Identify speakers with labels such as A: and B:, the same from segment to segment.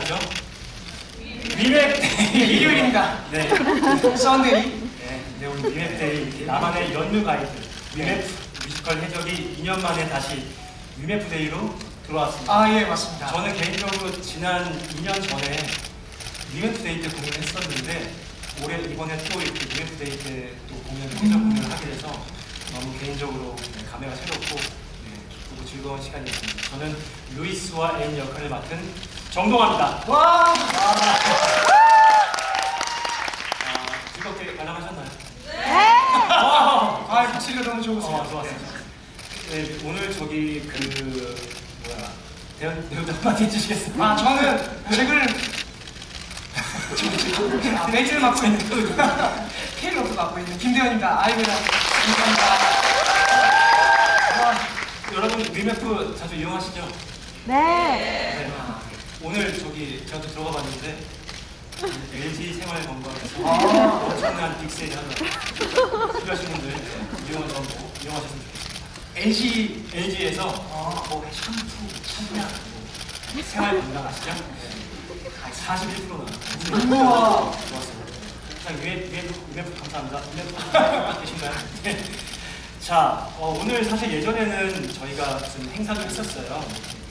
A: 날이죠? 위맵데이
B: 일요일입니다.
A: 네.
B: 썬데이.
A: 네, 오늘 위맵데이 나만의 연휴 가이드 위맵 뮤지컬 해적이 2년 만에 다시 위맵데이로 들어왔습니다.
B: 아, 예, 맞습니다.
A: 저는 개인적으로 지난 2년 전에 위맵데이 때 공연했었는데 올해 이번에 또 이렇게 위맵데이 때 또 해적 공연을 하게 돼서 너무 개인적으로 감회가 새롭고 기쁘고 즐거운 시간이었습니다. 저는 루이스와 앤 역할을 맡은 정동아입니다.
B: 와!
A: 즐겁게 관람하셨나요?
B: 아, 목소리가 너무 좋으세요.
A: 좋았어요. 네, 오늘 저기 배우들 한마디 해주시겠어요?
B: 아, 저는 매주를 맡고 있는 K로도 맡고 있는 김대현입니다. 아이고야. 감사합니다.
A: 여러분 위메프 자주 이용하시죠?
C: 네.
A: 오늘 저기 제가 또 들어가 봤는데 LG 생활건강에서
B: 아.
A: 엄청난 빅세일 하더라고요. 필요하신 분들 이용하셨으면 좋겠습니다. LG에서 뭐 샴푸, 샴푸야, 생활건강 아시죠? 41%
B: 우와.
A: 좋았어요. 자, 위메프 감사합니다. 위메프 계신가요? 네. 자, 오늘 사실 예전에는 저희가 무슨 행사도 했었어요.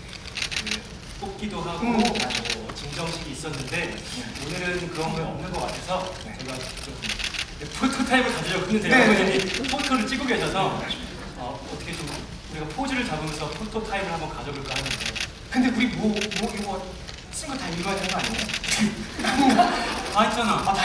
A: 뽑기도 하고 증정식이 있었는데 오늘은 그런 게 없는 것 같아서 제가 좀 포토타임을 가지려고 했는데 여러분이 포토를 찍고 계셔서 어떻게 좀 우리가 포즈를 잡으면서 포토타임을 한번 가져볼까 하는데
B: 근데 우리 이거 쓴 거 다 읽어야 되는 거 아니에요?
A: 다 했잖아.
B: 다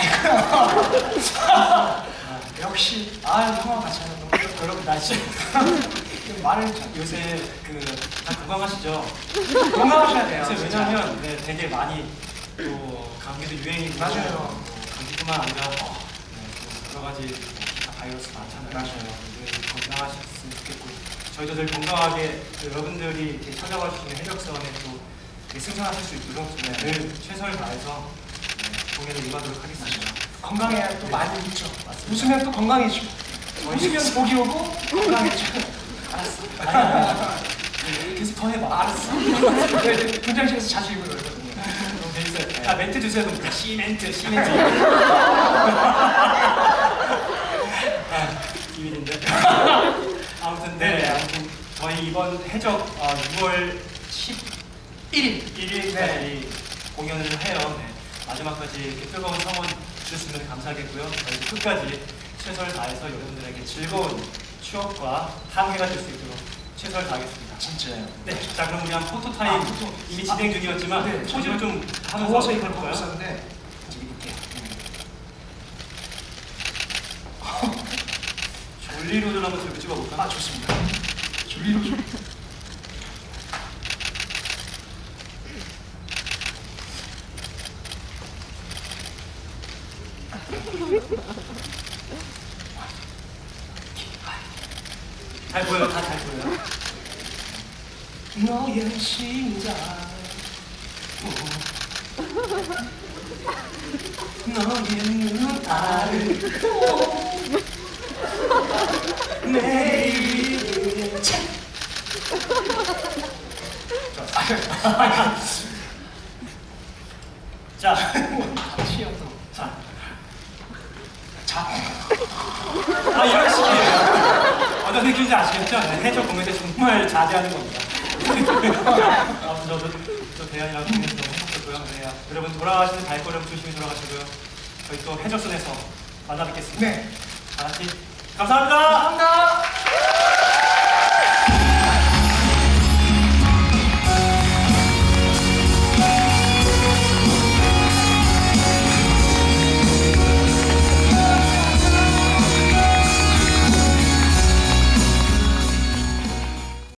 B: 읽어요. 역시 형아 같이 하는 거.
A: 여러분 날씨
B: 말을 참
A: 요새 다 건강하시죠?
B: 건강하셔야 돼요.
A: 요새 왜냐면 되게 많이 또 감기도 유행이고
B: 맞아요.
A: 감기뿐만 아니라 여러 가지 바이러스 많잖아요.
B: 맞아요.
A: 건강하셨으면 좋겠고 저희도 늘 건강하게 여러분들이 이렇게 찾아와 주시는 해적선에 또 승선하실 수 있도록 늘 최선을 다해서 공연을 임하도록 하겠습니다.
B: 건강해야 또 많이 웃죠. 웃으면 또 건강해지고. 웃으면 복이 오고 건강해져.
A: 알았어. 계속 더 해봐.
B: 알았어. 분장실에서 자주 입고 놀거든요.
A: 너무 재밌어요. 멘트 주세요. 시멘트. 비밀인데. 아무튼 저희 이번 해적 6월 11일까지 공연을 해요. 마지막까지 이렇게 뜨거운 성원 주셨으면 감사하겠고요. 저희 끝까지 최선을 다해서 여러분들에게 즐거운 추억과 함께가 될 수 있도록 최선을 다하겠습니다.
B: 진짜요.
A: 네, 자 그럼 우리 한 포토타임 이미 진행 중이었지만 포즈를 좀 하면서
B: 더워서 이걸
A: 해볼까요?
B: 보고 있었는데 이제 입을게요.
A: 졸리로드를 한번 들고 찍어볼까?
B: 좋습니다. 졸리로.
A: 잘 보여요, 다 잘 보여요.
B: 너의 심장 너의 눈 아르고 내일을
A: 자, 이런 식이에요. 어떤 느낌인지 아시겠죠? 해적 공연 때 정말 자제하는 겁니다. 아무튼 저 대현이랑 공연해서 너무 행복했고요. 여러분 돌아가시는 발걸음 조심히 돌아가시고요. 저희 또 해적선에서 만나 뵙겠습니다.
B: 네.
A: 다 같이 감사합니다.
B: 감사합니다.